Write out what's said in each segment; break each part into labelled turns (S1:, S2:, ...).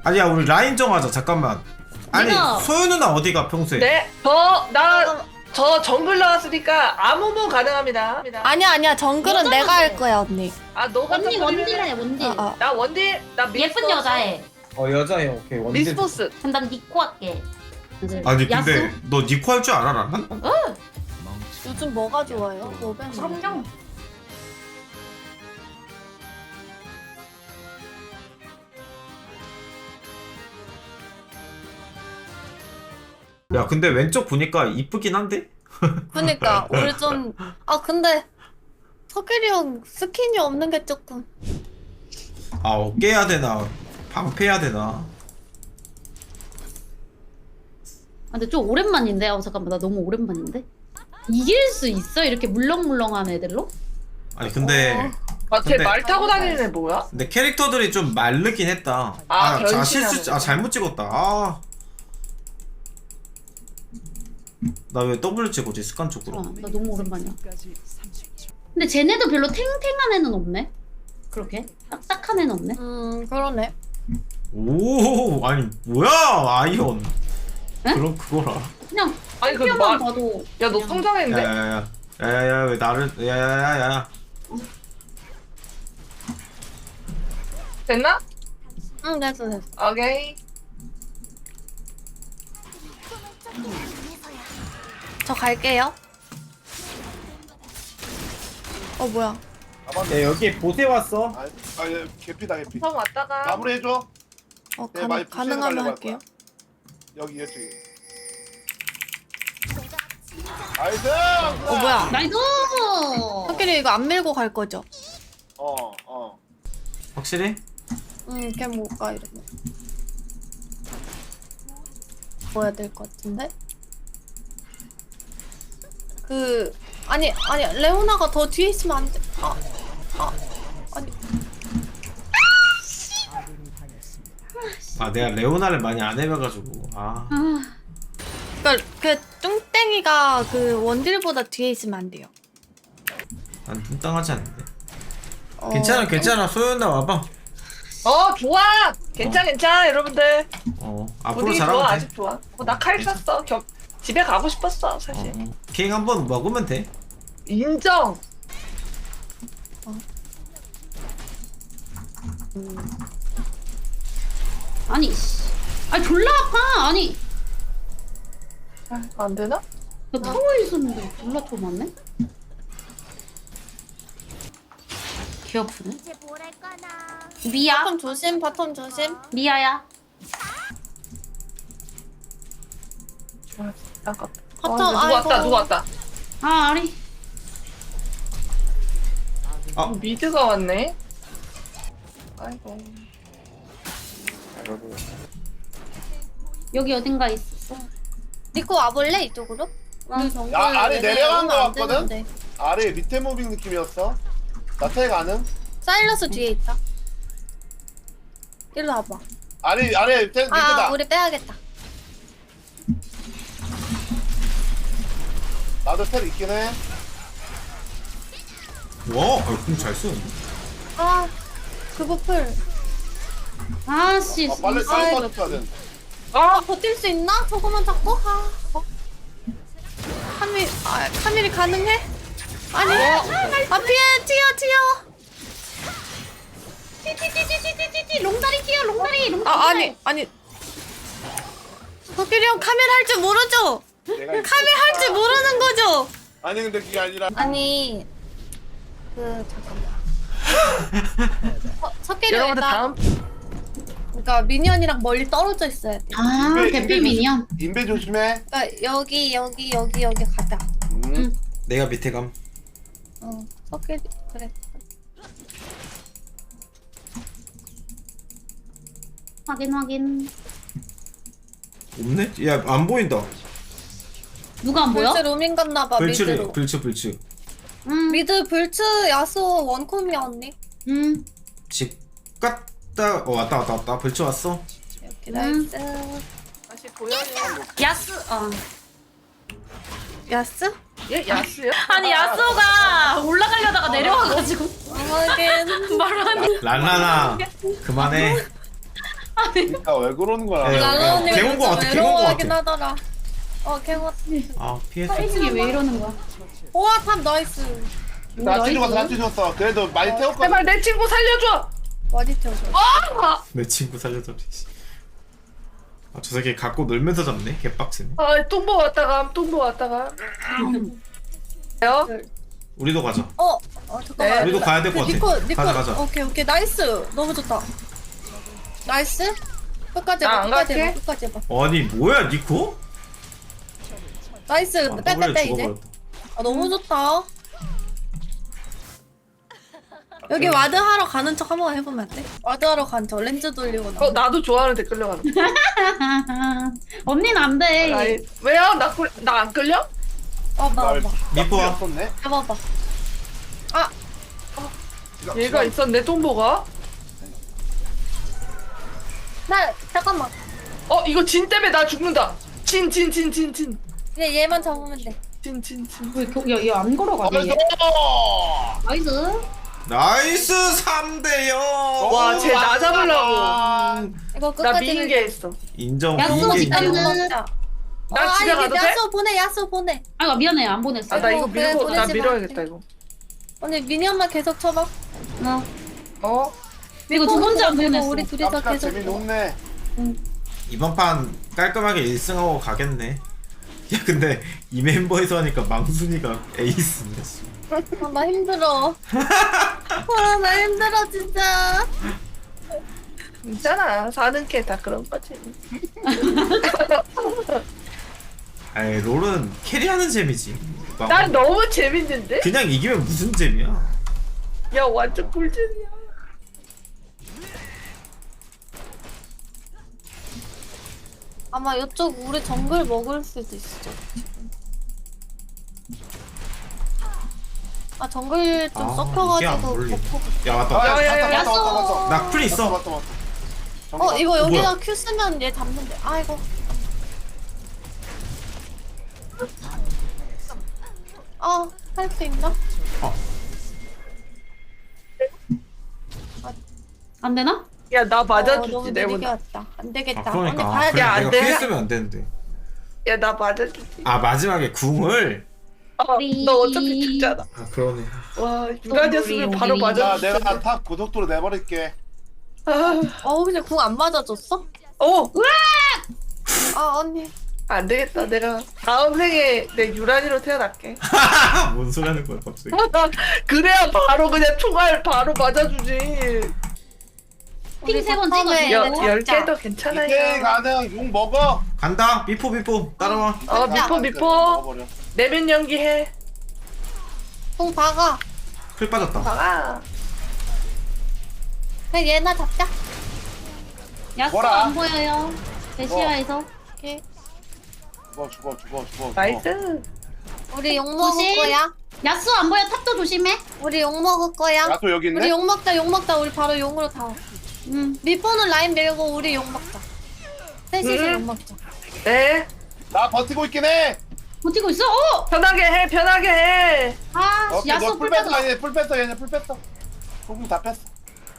S1: 아니야 우리 라인 정하자. 잠깐만. 아니
S2: 내가-
S1: 소연 누나 어디가 평소에?
S3: 네, 저 정글 나왔으니까 아무모 가능합니다.
S4: 아니야 정글은
S2: 여자는
S4: 내가 할
S2: 돼.
S4: 거야 언니.
S3: 아, 너가
S2: 원딜 원딜해 원딜.
S3: 나 원딜, 나
S2: 예쁜 여자애.
S1: 여자애 오케이 원딜.
S3: 미스포스.
S2: 그럼 난 니코 할게.
S1: 아니
S2: 야수?
S1: 근데 너 니코 할 줄 알아 난?
S4: 요즘 뭐가 좋아요? 로벤.
S2: 그럼요.
S1: 야 근데 왼쪽 보니까 이쁘긴 한데?
S4: 그러니까 우리 좀 근데 석일이 형 스킨이 없는 게 조금.
S1: 아 어깨 해야 되나 방패해야 되나?
S2: 아, 근데 좀 오랜만인데. 잠깐만 나 너무 오랜만인데. 이길 수 있어 이렇게 물렁물렁한 애들로?
S1: 아니 근데
S3: 아, 쟤
S1: 근데-
S3: 말 타고 다니는 애 뭐야?
S1: 근데 캐릭터들이 좀 마르긴 했다.
S3: 변신하는
S1: 실수
S3: 거.
S1: 잘못 찍었다. 나 왜 W 찍었지 습관적으로?
S2: 나 너무 오랜만이야. 근데 쟤네도 별로 탱탱한 애는 없네. 그렇게 딱딱한 애는 없네.
S4: 그러네.
S1: 오 아니 뭐야 아이언.
S2: 에?
S1: 그럼 그거라.
S2: 그냥
S3: 아니, 그
S2: 피어만
S3: 말,
S2: 봐도.
S3: 야, 너
S2: 그냥-
S3: 성장했는데?
S1: 야야야 왜 나를 야야야야.
S3: 됐나?
S4: 응 됐어.
S3: 오케이.
S4: 저 갈게요. 뭐야?
S1: 야 여기 보세 왔어.
S5: 예, 개피다 개피.
S3: 처음 왔다가.
S5: 마무리 해줘. 네, 많이
S4: 가능하면
S5: 푸시해가려고
S4: 할게요.
S5: 할 여기 이쪽에. 나이스.
S4: 뭐야?
S2: 나이스.
S4: 석일이 이거 안 밀고 갈 거죠?
S5: 어.
S1: 확실히?
S4: 걔 못 가 이러면. 뭐야 될 것 같은데? 아니 레오나가 더 뒤에 있으면 안 돼. 아니.
S1: 아 내가 레오나를 많이 안 해봐가지고 아.
S4: 그러니까 그 뚱땡이가 그 원딜보다 뒤에 있으면 안 돼요.
S1: 난 뚱땅하지 않는데. 괜찮아 소연아 와봐.
S3: 좋아! 괜찮아, 여러분들.
S1: 앞으로
S3: 분위기
S1: 잘하면
S3: 좋아,
S1: 돼.
S3: 아직 좋아. 나 칼 쐈어. 집에 가고 싶었어, 사실.
S1: 킹 한번 먹으면 돼.
S3: 인정!
S2: 아니 씨. 아니 졸라 아파. 아니
S3: 안 되나?
S2: 나 타워에 있었는데 졸라 더 많네. 개 아프네. 미야.
S4: 바텀 조심.
S2: 미야야.
S3: 아깝다.
S4: 바텀
S3: 누구 왔다.
S2: 아 아리.
S3: 미드가 왔네. 아이고.
S2: 여기 어딘가 있었어.
S4: 니코 와볼래 이쪽으로?
S5: 야, 아래 내려간 거 같거든? 아래 밑에 무빙 느낌이었어. 나태 가능?
S4: 사일러스 뒤에 있다. 일로 와봐.
S5: 아래 밑에다.
S4: 우리 빼야겠다.
S5: 나도 텔 있긴 해.
S1: 와, 공잘 쓰는데.
S4: 그거풀.
S2: 아씨.
S5: 빨리
S4: 아이고.
S5: 빠져야 돼.
S4: 버틸 수 있나? 저거만 잡고? 카밀이 가능해? 아니. 피해, 튀어.
S2: 띠띠띠띠띠띠띠 롱다리 뛰어 롱다리.
S4: 아니. 석일이 형 카밀 할 줄 모르죠?
S5: 내가
S4: 카밀 할 줄 모르는 거죠?
S5: 아니 근데 그게 아니라
S4: 아니, 잠깐만. 석일이 형
S3: 여러분들 다음.
S4: 그러니까 미니언이랑 멀리 떨어져 있어야 돼.
S2: 아 대필 미니언.
S5: 인베 조심해.
S4: 그러니까 여기 가자.
S1: 내가 밑에 감.
S4: 석일이 그래.
S2: 확인.
S1: 없네? 야 안 보인다.
S2: 누가 안 보여?
S4: 불츠 로밍 갔나봐 미드로.
S1: 불츠.
S4: 미드 불츠 야수 원콤이야 언니.
S1: 집 갔다 왔다 불츠 왔어.
S4: 이렇게 나이스.
S3: 다시 보여요.
S2: 야스.
S4: 야스?
S3: 얘 야스야?
S2: 아니 야스가 올라가려다가 내려와가지고
S4: 하긴.
S2: 말하는.
S1: 랄라나 그만해.
S5: 그러니까 왜 그러는 거야?
S1: 예.
S4: 나는 언니가
S1: 개운 거
S4: 요즘
S1: 같아, 개운 거
S4: 외로워하긴
S1: 같아.
S4: 하더라. 개운.
S1: 아 피했어.
S2: 타이밍이 왜 이러는 거야?
S4: 우와 탑 나이스.
S5: 나 찢어갔어, 나
S2: 나이스.
S5: 찢었어. 그래도 많이 태웠거든.
S3: 제발 내 친구 살려줘.
S4: 많이 태워줘.
S1: 내 친구 살려줘. 아저 새끼 갖고 놀면서 잡네. 개빡치네.
S3: 아 똥보 왔다가 똥보 왔다가. 요?
S1: 우리도 가자.
S4: 잠깐만.
S1: 우리도 가야 될 것 같아.
S4: 니코.
S1: 가자.
S4: 오케이 나이스. 너무 좋다. 나이스. 끝까지
S3: 나
S4: 해봐.
S3: 안
S4: 끝까지
S3: 갈게.
S4: 해봐. 끝까지 해봐.
S1: 아니 뭐야 니코?
S4: 나이스.
S1: 아,
S4: 빼
S1: 더블에
S4: 이제.
S1: 죽어버렸다.
S4: 너무 좋다. 여기 와드 하러 가는 척 한번 해보면 안 돼? 와드 하러 가는 척 렌즈 돌리고 나.
S3: 나도 좋아하는데 끌려가는 거.
S2: 언니는 안 돼.
S3: 아이, 왜요? 나 안 끌려?
S4: 와봐.
S1: 미포와.
S5: 썼네.
S4: 해봐봐.
S3: 얘가 있었네 똥보가.
S4: 나 잠깐만.
S3: 이거 진 때문에 나 죽는다. 진.
S4: 그냥 얘만 잡으면 돼.
S3: 진.
S2: 왜얘안 걸어가네? 얘? 나이스.
S1: 나이스 3대0.
S3: 와, 쟤 나 잡으려고.
S4: 이거
S3: 나
S4: 끝까지
S3: 미인 게 했어.
S1: 인정.
S2: 야수
S1: 이게
S2: 직접
S1: 인정.
S2: 먹자.
S3: 나 집에 가도 돼?
S4: 야수 보내.
S2: 아 미안해 안 보냈어.
S3: 나 이거
S4: 그래,
S3: 밀고 나
S4: 보내지 마.
S3: 밀어야겠다 이거.
S4: 언니 미니언만 계속 쳐봐.
S3: 어?
S2: 이거 두 번째 안
S4: 그리고
S2: 보냈어.
S4: 우리 둘이서
S5: 깜짝
S4: 계속.
S5: 재미 높네.
S1: 이번 판 깔끔하게 1승하고 가겠네. 야 근데 이 멤버에서 하니까 망순이가 에이스네.
S4: 나 힘들어. 나 힘들어 진짜.
S3: 있잖아. 사는 게 다 그런 거지.
S1: 아이 롤은 캐리하는 재미지.
S3: 난 너무 재밌는데?
S1: 그냥 이기면 무슨 재미야?
S3: 야 완전 꿀잼이야.
S4: 아마 이쪽 우리 정글 먹을 수도 있어. 정글 좀
S1: 아, 이게 안
S4: 섞여가지고.
S1: 어울리네.
S4: 버프.
S1: 야 맞다.
S3: 야,
S4: 야수.
S1: 나 풀 있어.
S5: 맞다.
S4: 이거 여기다
S1: 뭐야?
S4: 큐 쓰면 얘 잡는데. 아이고. 할 수 있나?
S2: 안 되나?
S3: 야 나
S4: 너무
S3: 맞아주지
S4: 느리게
S3: 내보다.
S4: 왔다. 안 되겠다.
S1: 아 그러니까.
S4: 언니 가야 돼.
S1: 그래,
S3: 야, 안
S1: 내가
S3: 돼.
S1: 피했으면 안 되는데.
S3: 야 나 맞아주지.
S1: 아 마지막에 궁을.
S3: 너 어차피 죽잖아.
S1: 아 그러네.
S3: 와 유라디였으면 바로
S2: 우리.
S5: 야,
S3: 맞아줬을
S5: 내가
S3: 텐데.
S5: 탑 고속도로 내버릴게.
S4: 그냥 궁 안 맞아줬어? 언니.
S3: 안 되겠다. 내가 다음 생에 내 유란이로 태어날게.
S1: 뭔 소리 하는 거야 갑자기.
S3: 그래야 바로 그냥 총알 바로 맞아주지.
S2: 핑 세 번
S4: 처음에
S2: 찍어주고.
S4: 얘네
S3: 10개도
S5: 이게
S3: 괜찮아요.
S5: 가능. 용 먹어.
S1: 간다. 미포 따라와.
S3: 미포.
S5: 먹어버려.
S3: 내면 연기해.
S4: 궁 박아.
S1: 풀 빠졌다.
S3: 봐라.
S4: 그냥 얘나 잡자.
S2: 야수
S5: 뭐라?
S2: 안 보여요. 대시야에서.
S4: 오케이.
S5: 죽어.
S3: 나이스.
S4: 우리 욕 먹을
S2: 조심.
S4: 거야.
S2: 야수 안 보여. 탑도 조심해.
S4: 우리 욕 먹을 거야.
S5: 야또 여기 있네.
S4: 우리 욕 먹자. 우리 바로 용으로 다. 미포는 라인 밀고 우리 욕 먹자. 셋이서 욕 먹자.
S3: 네.
S5: 나 버티고 있긴 해.
S2: 버티고 있어.
S3: 편하게 해.
S2: 야수 풀 빠져.
S5: 풀 뺐어 얘네 풀 뺐어. 소금 다 뺐어.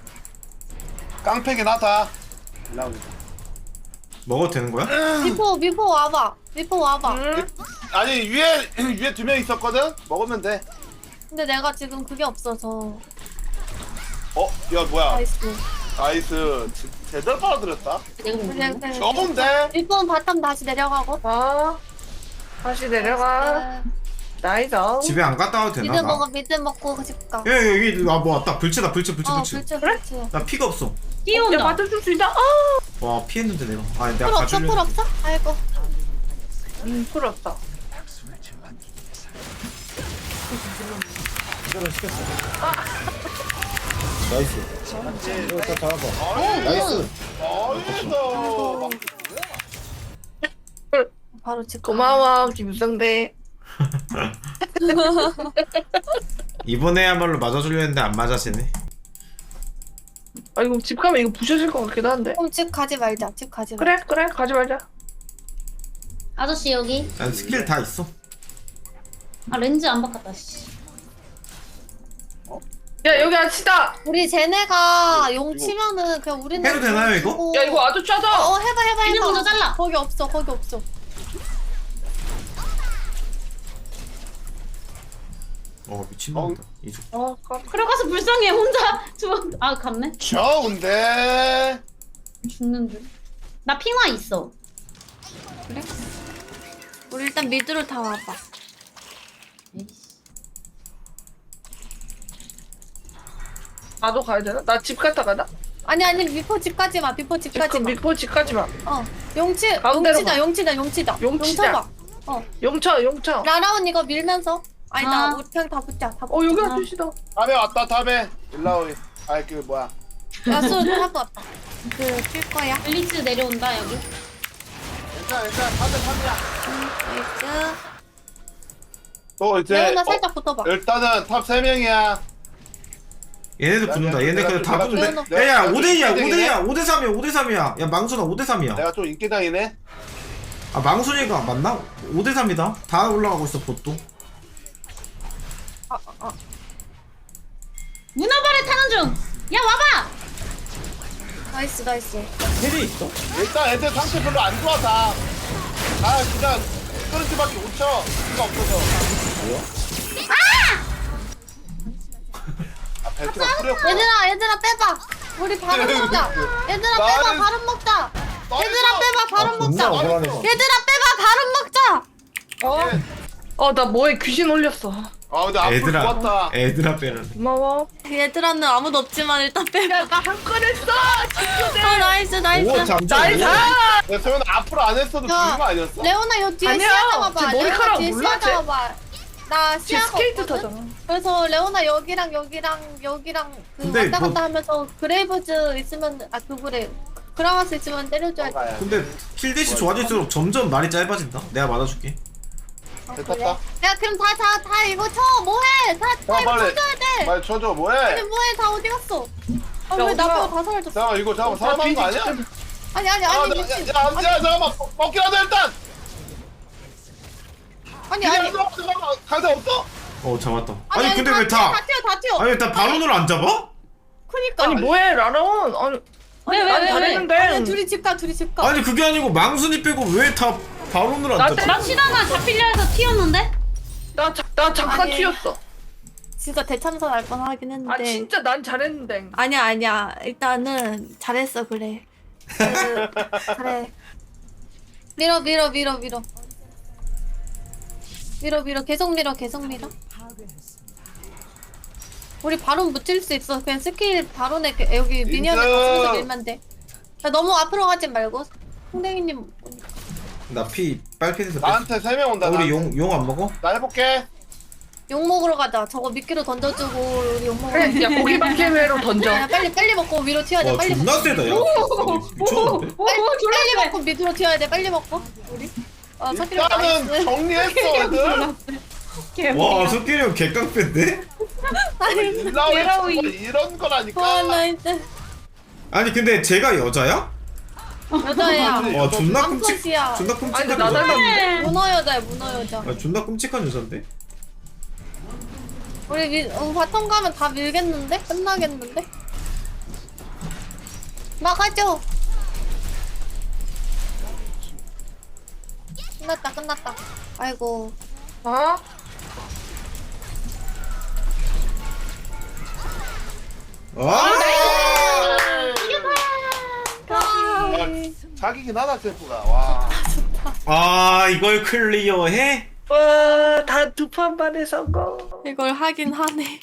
S5: 깡패기 나다.
S1: 먹어도 되는 거야?
S4: 미포 와봐.
S3: 응?
S5: 아니 위에 2명 있었거든. 먹으면 돼.
S4: 근데 내가 지금 그게 없어서.
S5: 야 뭐야?
S4: 나이스.
S5: 제대로 빨아들였다.
S2: 내가 먹는 거.
S5: 좋은데.
S4: 미포는 바텀 다시 내려가고.
S3: 다시 내려가. 나이스.
S1: 집에 안 갔다 와도 되나?
S4: 미드 먹고 집 가.
S1: 야 여기 뭐 왔다. 불치다. 불치.
S4: 그래?
S1: 나 피가 없어.
S3: 야
S2: 뛰어온다.
S3: 맞아줄 수 있다.
S1: 와 피했는데 내가. 아 내가
S4: 풀 없어?
S1: 가주려고.
S4: 풀 없어? 아이고.
S3: 풀 없다.
S1: 나이스. 이거 다 잡아봐.
S5: 나이스.
S4: 바로 집 가.
S3: 고마워 김성대.
S1: 이번에야말로 맞아주려 했는데 안 맞아지네.
S3: 이거 집 가면 이거 부셔질 것 같기도 한데.
S4: 그럼 집 가지 말자.
S3: 그래 가지 말자.
S2: 아저씨 여기.
S1: 난 스킬 다 있어.
S2: 아 렌즈 안 바꿨다. 씨.
S3: 야 여기 아치다.
S4: 우리 쟤네가 용
S5: 이거-
S4: 치면은 그냥 우리는
S1: 해도 되나요,
S4: 용
S1: 이거?
S4: 치고-
S3: 야 이거 아주 짜다.
S4: 해봐
S2: 그냥 먼저 잘라.
S4: 거기 없어 거기 없어.
S1: 미친놈이다. 이쪽.
S2: 들어가서 불쌍해 혼자 아 갔네.
S5: 좋은데.
S2: 죽는 줄. 나 핑화 있어.
S4: 우리 일단 미드로 다 와봐.
S2: 에이씨.
S3: 나도 가야 되나? 나 집 갔다 가나?
S4: 아니 미포 집까지 마. 미포 집까지 마.
S3: 미포 집까지만.
S4: 용치
S3: 가운데로
S4: 용치다.
S3: 용치자.
S4: 봐.
S3: 용쳐.
S4: 라라온 이거 밀면서. 아니다
S2: 아.
S4: 우리 그냥 다 붙자. 다
S3: 여기
S4: 붙자.
S3: 아저씨다.
S5: 탑에 왔다 탑에. 일라오이. 그 뭐야.
S4: 야수 타고 왔다. 그필 거야.
S2: 블리츠 내려온다 여기.
S5: 괜찮아 탑에 탑이야.
S4: 나이스.
S5: 또 이제
S4: 레오나 살짝 붙어봐.
S5: 일단은 탑 3명이야.
S1: 얘네들 붙는다. 얘네 그냥 다
S5: 내가
S1: 붙는데.
S5: 좀-
S1: 야야
S5: 내가
S1: 5대2야.
S5: 좀
S1: 5대3이야. 5대3이야. 야 망순아 5대3이야.
S5: 내가 좀 인기당이네.
S1: 아 망순이가 맞나? 5대3이다. 다 올라가고 있어 보또.
S2: 문어발에 타는 중. 야 와봐.
S4: 나이스.
S1: 헬이 있어?
S5: 일단 애들 상태 별로 안 좋아 다. 그냥 끄는 수밖에 못 쳐. 수가 없어서. 벨트가 풀렸고.
S4: 얘들아 빼봐. 우리 바로 먹자. 얘들아 빼봐
S5: 나는-
S4: 바로 먹자.
S5: 나이스.
S4: 얘들아 빼봐 바로 먹자.
S1: 존나 억울하네.
S4: 얘들아 빼봐 바로 먹자.
S3: 나 뭐에 귀신 올렸어.
S5: 근데 앞으로
S1: 애들아.
S5: 좋았다.
S1: 애들아 빼라네.
S3: 고마워.
S4: 얘들아는 아무도 없지만 일단 빼봐.
S3: 나 한 건 했어.
S4: 나이스.
S1: 오 잠깐.
S3: 나이스.
S5: 야, 소연 앞으로 안 했어도
S4: 야,
S5: 되는 거 아니었어?
S4: 레오나 여 뒤에
S3: 아니야.
S4: 시야 잡아봐.
S3: 쟤 머리카락
S4: 뒤에
S3: 몰라,
S4: 시야
S3: 쟤.
S4: 잡아봐. 나
S3: 지
S4: 시야가
S3: 스케이트
S4: 없거든?
S3: 타잖아.
S4: 그래서 레오나 여기랑 그
S1: 근데
S4: 왔다
S1: 뭐-
S4: 갔다 하면서 그레이브즈 있으면 그거래 그라마스 있으면 때려줘야 돼.
S5: 가야.
S1: 근데 킬대시 좋아질수록 점점 말이 짧아진다. 내가 맞아줄게.
S5: 됐다.
S4: 야 그럼 다 이거 쳐 뭐해? 다 이거
S5: 빨리.
S4: 쳐줘야 돼.
S5: 말 쳐줘
S4: 아니
S5: 뭐해?
S4: 뭐해 다 어디 갔어?
S3: 야,
S4: 왜
S3: 어디가?
S4: 나 빼고 다 사라졌어?
S5: 잠깐만 이거 잠깐만 사람한 거 아니야?
S4: 아니 미친.
S5: 잠깐만 먹기라도 일단.
S4: 아니
S5: 잠깐만 가자 없어?
S1: 잡았다. 아니 근데 왜 다?
S4: 다 튀어.
S1: 아니 다 바론으로 안 잡아?
S4: 그니까.
S3: 아니 뭐해 라라온.
S2: 왜?
S3: 난 잘했는데.
S4: 아니 둘이 집 가.
S1: 아니 그게 아니고 망순이 빼고 왜 다 바론으로 안
S3: 나
S1: 잡지?
S2: 나 치다가 잡히려 해서 튀었는데.
S3: 나 잠깐
S4: 아니.
S3: 튀었어.
S4: 진짜 대참사 날 뻔하긴 했는데.
S3: 진짜 난 잘했는데.
S4: 아니야. 일단은 잘했어 그래. 그래. 밀어. 계속 밀어. 우리 바론 묻힐 수 있어. 그냥 스킬 바론에 여기 미니언을 가슴에서 밀면 돼. 야, 너무 앞으로 가지 말고. 홍댕이님
S1: 나피 빨피에서 뺐어.
S5: 나한테 3명 온다.
S1: 우리
S5: 나한테.
S1: 용 안 먹어?
S5: 나 해볼게.
S4: 욕 먹으러 가자. 저거 미끼로 던져주고 우리 욕 먹으러
S3: 그래.
S4: 가자.
S3: 야 고기박개회로 던져.
S4: 야, 빨리 먹고 위로 튀어야 돼.
S1: 와
S4: 빨리
S1: 존나
S4: 먹고.
S1: 세다 야. 아니, 미쳤는데?
S4: 빨리 먹고 밑으로 튀어야 돼. 빨리 먹고. 우리. 석기로
S5: 일단은
S4: 나이스.
S5: 정리했어 애들.
S1: 와 석길이 형 개깡패인데?
S5: 일라오이 이런 거라니까.
S4: 나이스.
S1: 아니 근데 쟤가 여자야?
S4: 여자야.
S1: 와 존나 끔찍.
S4: 암컷이야.
S1: 존나
S3: 아니
S1: 끔찍한
S3: 나
S1: 여자.
S3: 닮았는데.
S4: 문어 여자야. 문어 여자.
S1: 아 존나 끔찍한 여잔데?
S4: 우리 바텀 가면 다 밀겠는데? 끝나겠는데? 막아줘. 끝났다. 아이고.
S3: 어?
S1: 아!
S5: 자기긴 하다 셀프가. 와.
S1: 아 이걸 클리어해?
S3: 다 두 판 만에 성공.
S4: 이걸 하긴 하네.